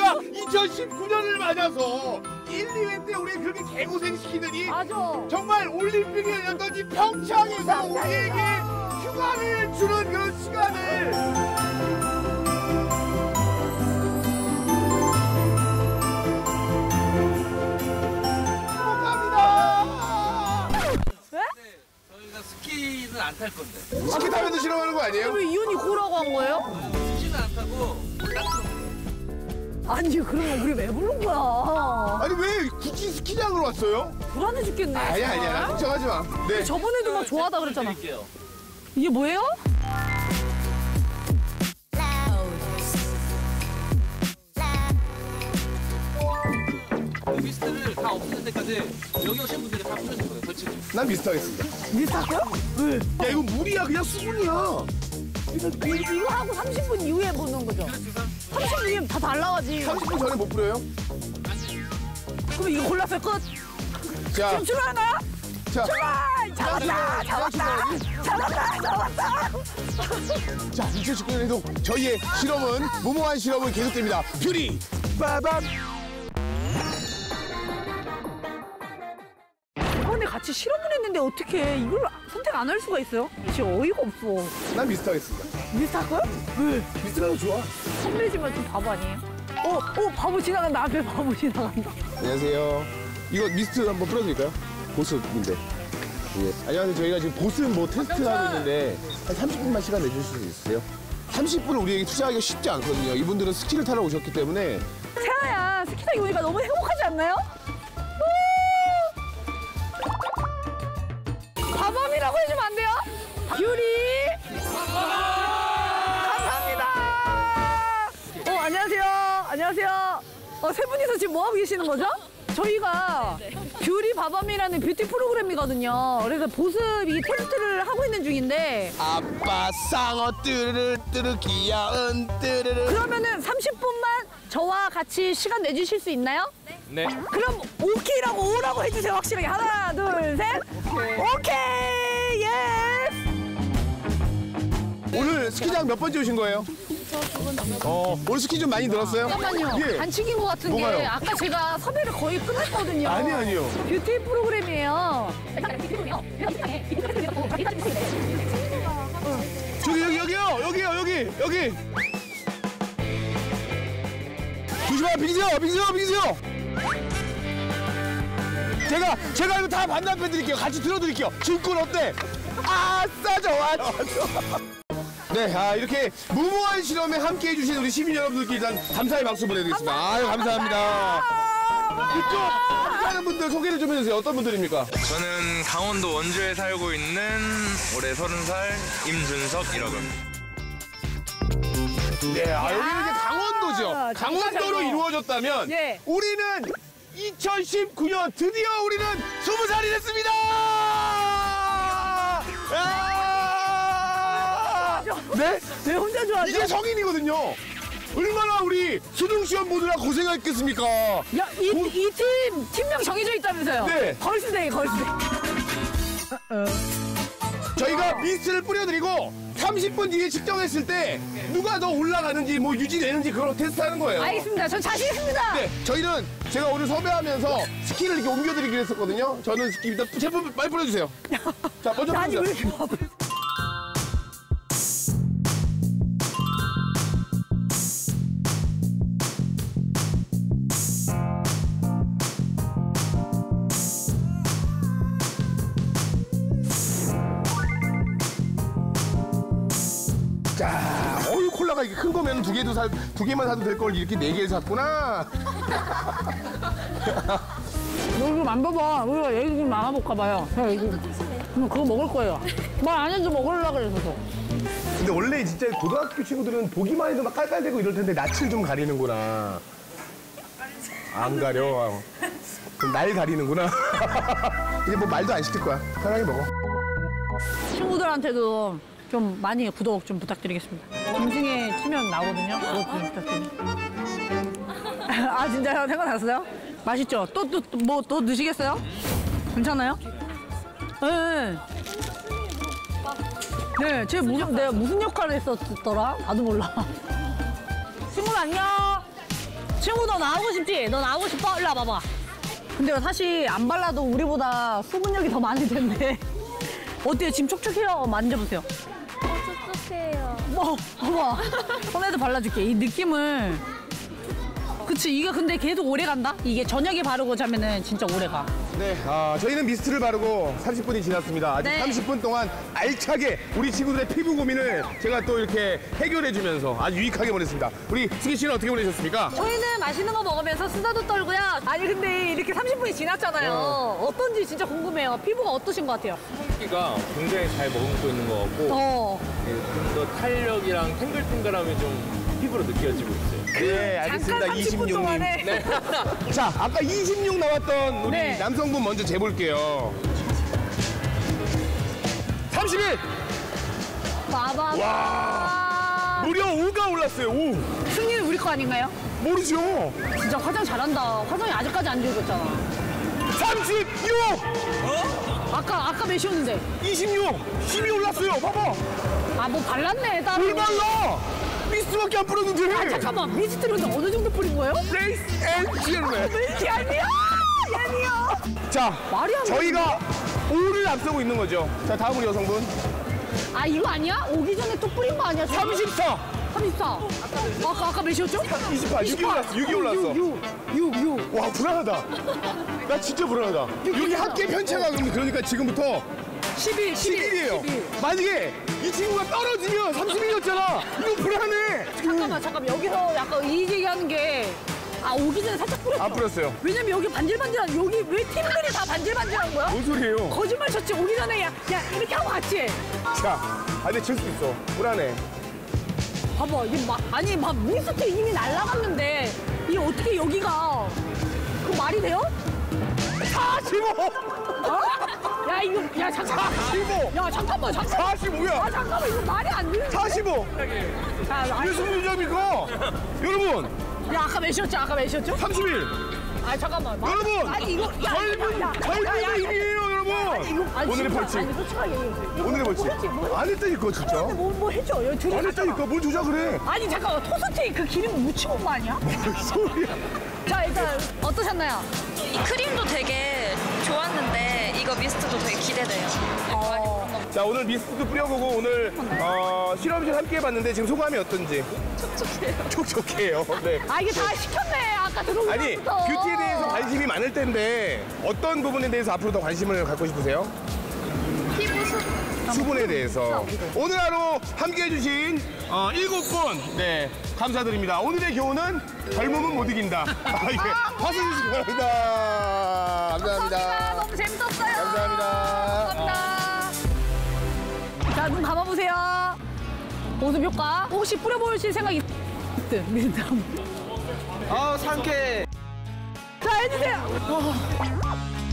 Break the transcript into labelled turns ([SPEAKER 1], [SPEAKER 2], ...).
[SPEAKER 1] 우리가 2019년을 맞아서 1, 2회 때 우리 그렇게 개고생시키더니
[SPEAKER 2] 맞아.
[SPEAKER 1] 정말 올림픽이 열렸더니 평창에서 우리에게 휴가를 주는 그런 시간을
[SPEAKER 3] 스키는 안 탈 건데.
[SPEAKER 1] 스키 타면도 싫어하는 거 아니에요?
[SPEAKER 2] 왜 이혼이 고라고 한 거예요?
[SPEAKER 3] 스키는 안 타고
[SPEAKER 2] 아니 그러면 우리 왜 부른 거야?
[SPEAKER 1] 아니 왜 굳이 스키장으로 왔어요?
[SPEAKER 2] 불안해 죽겠네.
[SPEAKER 1] 아니야 걱정하지 마. 네.
[SPEAKER 2] 저번에도 막 좋아하다 그랬잖아.
[SPEAKER 3] 드릴게요.
[SPEAKER 2] 이게 뭐예요?
[SPEAKER 3] 미스트를 다 없애는 데까지 여기 오신 분들이 다 뿌려줄 거예요. 솔직히.
[SPEAKER 1] 난 미스터 하겠습니다.
[SPEAKER 2] 미스터요? 왜?
[SPEAKER 1] 야 이거 물이야 그냥 수분이야.
[SPEAKER 2] 이거 하고 30분 이후에 보는 거죠? 30분 이후에 다 달라가지.
[SPEAKER 1] 30분 전에 못 뿌려요?
[SPEAKER 2] 그럼 이거 골랐어요 끝.
[SPEAKER 1] 자,
[SPEAKER 2] 그럼 출발하나요?
[SPEAKER 1] 자,
[SPEAKER 2] 출발! 잡았다!
[SPEAKER 1] 자 2019년에도 저희의 실험은 무모한 실험은 계속됩니다. 뷰리 빠밤.
[SPEAKER 2] 이번에 같이 실험을 했는데 어떻게 이걸 선택 안 할 수가 있어요? 진짜 어이가 없어.
[SPEAKER 1] 난 미스터 하겠습니다.
[SPEAKER 2] 미스터 할 거야? 왜?
[SPEAKER 1] 미스터가 더 좋아.
[SPEAKER 2] 선배지만 좀 바보 아니에요? 바보 지나간다. 앞에 바보 지나간다.
[SPEAKER 1] 안녕하세요. 이거 미스트 한번 뿌려드릴까요? 보습인데. 예. 안녕하세요. 저희가 지금 보습 뭐 테스트하고 있는데 한 30분만 시간 내주실 수 있으세요? 30분을 우리에게 투자하기가 쉽지 않거든요. 이분들은 스키를 타러 오셨기 때문에.
[SPEAKER 2] 세아야, 스키 타기 오니까 너무 행복하지 않나요? 바밤이라고 해주면 안 돼요? 뷰리! 감사합니다! 안녕하세요. 안녕하세요. 세 분이서 지금 뭐 하고 계시는 거죠? 저희가 뷰리 바밤이라는 뷰티 프로그램이거든요. 그래서 보습 이 테스트를 하고 있는 중인데
[SPEAKER 1] 아빠 쌍어 뚜르르 뚜르 귀여운 뚜르르.
[SPEAKER 2] 그러면은 30분만 저와 같이 시간 내주실 수 있나요?
[SPEAKER 3] 네.
[SPEAKER 2] 그럼 오케이라고 오라고 해주세요. 확실하게 하나 둘 셋. 오케이. 예스.
[SPEAKER 1] 오늘 스키장 몇 번째 오신 거예요? 오늘 스키 좀 많이 늘었어요?
[SPEAKER 2] 잠깐만요.
[SPEAKER 1] 예.
[SPEAKER 2] 반칙인 것 같은 게
[SPEAKER 1] 뭐가요?
[SPEAKER 2] 아까 제가 섭외를 거의 끝냈거든요.
[SPEAKER 1] 아니요.
[SPEAKER 2] 뷰티 프로그램이에요.
[SPEAKER 1] 저기 여기. 조심하 빙세요. 제가 이거 다 반납해 드릴게요. 같이 들어드릴게요. 증권 어때? 아싸 좋아. 네, 이렇게 무모한 실험에 함께해 주신 우리 시민 여러분들께 일단 감사의 박수 보내드리겠습니다. 아유, 감사합니다. 이쪽 하는 분들 소개를 좀 해주세요. 어떤 분들입니까?
[SPEAKER 4] 저는 강원도 원주에 살고 있는 올해 30살 임준석이라고 합니다.
[SPEAKER 1] 네, 여기는 이제 강원도죠. 강원도로 이루어졌다면
[SPEAKER 2] 예.
[SPEAKER 1] 우리는 2019년 드디어 우리는 20살이 됐습니다! 네?
[SPEAKER 2] 왜 혼자 좋아하죠?
[SPEAKER 1] 이제 성인이거든요. 얼마나 우리 수능시험 보느라 고생했겠습니까?
[SPEAKER 2] 야, 이 팀명 정해져 있다면서요?
[SPEAKER 1] 네.
[SPEAKER 2] 걸스데이.
[SPEAKER 1] 저희가 미스트를 뿌려드리고 30분 뒤에 측정했을 때 누가 더 올라가는지 뭐 유지되는지 그걸 테스트하는 거예요.
[SPEAKER 2] 알겠습니다. 전 자신 있습니다.
[SPEAKER 1] 네, 저희는 제가 오늘 섭외하면서 스키를 이렇게 옮겨드리기로 했었거든요. 저는 스키 일단 제품 빨리 뿌려주세요. 자, 먼저
[SPEAKER 2] 아니 왜
[SPEAKER 1] 뿌리세요.
[SPEAKER 2] 이렇게 바보?
[SPEAKER 1] 자, 콜라가 이렇게 큰 거면 두 개만 사도 될 걸 이렇게 4개를 샀구나.
[SPEAKER 2] 너 이거 만봐봐. 우리가 얘기 좀 나눠볼까 봐요. 그거 먹을 거예요. 말 안 해도 먹으려고 그래서.
[SPEAKER 1] 근데 원래 진짜 고등학교 친구들은 보기만 해도 막 깔깔대고 이럴 텐데 낯을 좀 가리는구나. 안 가려. 그럼 날 가리는구나. 이제 뭐 말도 안 시킬 거야. 편하게 먹어.
[SPEAKER 2] 친구들한테도 좀 많이 구독 좀 부탁드리겠습니다. 김승혜 치면 나오거든요. 구독 좀 부탁드립니다. 아 진짜요? 생각났어요? 맛있죠? 또 드시겠어요? 괜찮아요? 네. 네, 내가 무슨 역할을 했었더라? 나도 몰라. 친구들 안녕. 친구 너 나오고 싶지? 너 나오고 싶어? 일로 와봐봐. 근데 사실 안 발라도 우리보다 수분력이 더 많을 텐데. 어때요? 지금 촉촉해요? 만져보세요.
[SPEAKER 5] 촉촉해요.
[SPEAKER 2] 뭐, 봐봐. 손에도 발라줄게. 이 느낌을. 그치, 이게 근데 계속 오래 간다? 이게 저녁에 바르고 자면은 진짜 오래 가.
[SPEAKER 1] 네, 저희는 미스트를 바르고 30분이 지났습니다. 아직
[SPEAKER 2] 네.
[SPEAKER 1] 30분 동안 알차게 우리 친구들의 피부 고민을 제가 또 이렇게 해결해주면서 아주 유익하게 보냈습니다. 우리 승희 씨는 어떻게 보내셨습니까?
[SPEAKER 2] 저희는 맛있는 거 먹으면서 수다도 떨고요. 아니, 근데 이렇게 30분이 지났잖아요. 어떤지 진짜 궁금해요. 피부가 어떠신 것 같아요?
[SPEAKER 3] 기가 굉장히 잘 머금고 있는 것 같고 좀 더 탄력이랑 탱글탱글함이 좀 피부로 느껴지고 있어요.
[SPEAKER 1] 네, 알겠습니다.
[SPEAKER 2] 잠깐 30분
[SPEAKER 1] 26님.
[SPEAKER 2] 동안에.
[SPEAKER 1] 네. 자, 아까 26 나왔던 우리
[SPEAKER 2] 네.
[SPEAKER 1] 남성분 먼저 재볼게요. 31!
[SPEAKER 2] 봐봐.
[SPEAKER 1] 무려 5가 올랐어요, 5.
[SPEAKER 2] 승리는 우리 거 아닌가요?
[SPEAKER 1] 모르죠?
[SPEAKER 2] 진짜 화장 잘한다. 화장이 아직까지 안 지워졌잖아.
[SPEAKER 1] 36!
[SPEAKER 2] 아까 몇이었는데?
[SPEAKER 1] 26! 10이 올랐어요, 봐봐.
[SPEAKER 2] 아, 뭐 발랐네, 따로.
[SPEAKER 1] 뭘 발라! 미스트밖에 안 뿌렸는데.
[SPEAKER 2] 아, 잠깐만. 미스트를 어느 정도 뿌린 거예요?
[SPEAKER 1] 레이스 앤 젤레.
[SPEAKER 2] 왜 이렇게 얄미워? 얄미워.
[SPEAKER 1] 자,
[SPEAKER 2] 말이 안
[SPEAKER 1] 저희가 5를 앞서고 있는 거죠. 자, 다음 우리 여성분.
[SPEAKER 2] 아, 이거 아니야? 오기 전에 또 뿌린 거 아니야?
[SPEAKER 1] 34!
[SPEAKER 2] 34. 아까 몇이었죠?
[SPEAKER 1] 28, 6이 올랐어, 6이 올랐어.
[SPEAKER 2] 6.
[SPEAKER 1] 와, 불안하다. 나 진짜 불안하다. 여기 합계 편차가 그러니까 지금부터
[SPEAKER 2] 11.
[SPEAKER 1] 11이에요. 만약에 이 친구가 떨어지면 31이었잖아. 이거 불안해.
[SPEAKER 2] 잠깐만. 여기서 약간 이의제기하는 게. 아, 오기 전에 살짝 뿌렸어.
[SPEAKER 1] 안 뿌렸어요.
[SPEAKER 2] 왜냐면 여기 반질반질한, 여기 왜 팀들이 다 반질반질한 거야?
[SPEAKER 1] 뭔 소리예요?
[SPEAKER 2] 거짓말 쳤지. 오기 전에 야 이렇게 하고 갔지.
[SPEAKER 1] 자, 근데 질 수 있어. 불안해.
[SPEAKER 2] 봐봐, 이게 막 미스트 이미 날라갔는데 이게 어떻게 여기가 그 말이 돼요?
[SPEAKER 1] 45!
[SPEAKER 2] 어? 야 이거 야 잠깐만.
[SPEAKER 1] 45!
[SPEAKER 2] 야 잠깐만.
[SPEAKER 1] 45야!
[SPEAKER 2] 아 잠깐만 이거 말이 안 돼.
[SPEAKER 1] 45!
[SPEAKER 2] 자,
[SPEAKER 1] 왜 승리점입니까? 여러분,
[SPEAKER 2] 야 아까 몇이었죠?
[SPEAKER 1] 31!
[SPEAKER 2] 아 잠깐만.
[SPEAKER 1] 여러분!
[SPEAKER 2] 아니 이거
[SPEAKER 1] 젊은 이기예요, 여러분! 오늘의 벌칙.
[SPEAKER 2] 아니 솔직하게 얘기해.
[SPEAKER 1] 오늘의 벌칙. 안 했다니까, 진짜.
[SPEAKER 2] 뭐 해줘. 여기 둘이
[SPEAKER 1] 안 했다니까, 뭘 조작을 해.
[SPEAKER 2] 아니 잠깐만 토스트에 그 기름 묻히고 온 거 아니야?
[SPEAKER 1] 뭔 소리야.
[SPEAKER 2] 자 일단 어떠셨나요?
[SPEAKER 5] 이 크림도 되게 좋았는데 이거 미스트도 되게 기대돼요.
[SPEAKER 1] 자, 오늘 미스트도 뿌려보고 오늘 실험실 함께 해봤는데 지금 소감이 어떤지? 촉촉해요. 네.
[SPEAKER 2] 아 이게 다 시켰네. 아까 들어오기
[SPEAKER 1] 아니,
[SPEAKER 2] 전부터.
[SPEAKER 1] 뷰티에 대해서 관심이 많을 텐데 어떤 부분에 대해서 앞으로 더 관심을 갖고 싶으세요?
[SPEAKER 5] 피부
[SPEAKER 1] 수분에 대해서. 오늘 하루 함께 해주신 7분 네, 감사드립니다. 오늘의 교훈은 젊음은 못 이긴다. 이게 박수 주시기 바랍니다. 감사합니다.
[SPEAKER 2] 너무 재밌었어요.
[SPEAKER 1] 감사합니다.
[SPEAKER 2] 자, 눈 감아보세요. 보습 효과. 혹시 뿌려보실 생각이 있으세요?
[SPEAKER 3] 아 상쾌.
[SPEAKER 2] 자, 해주세요.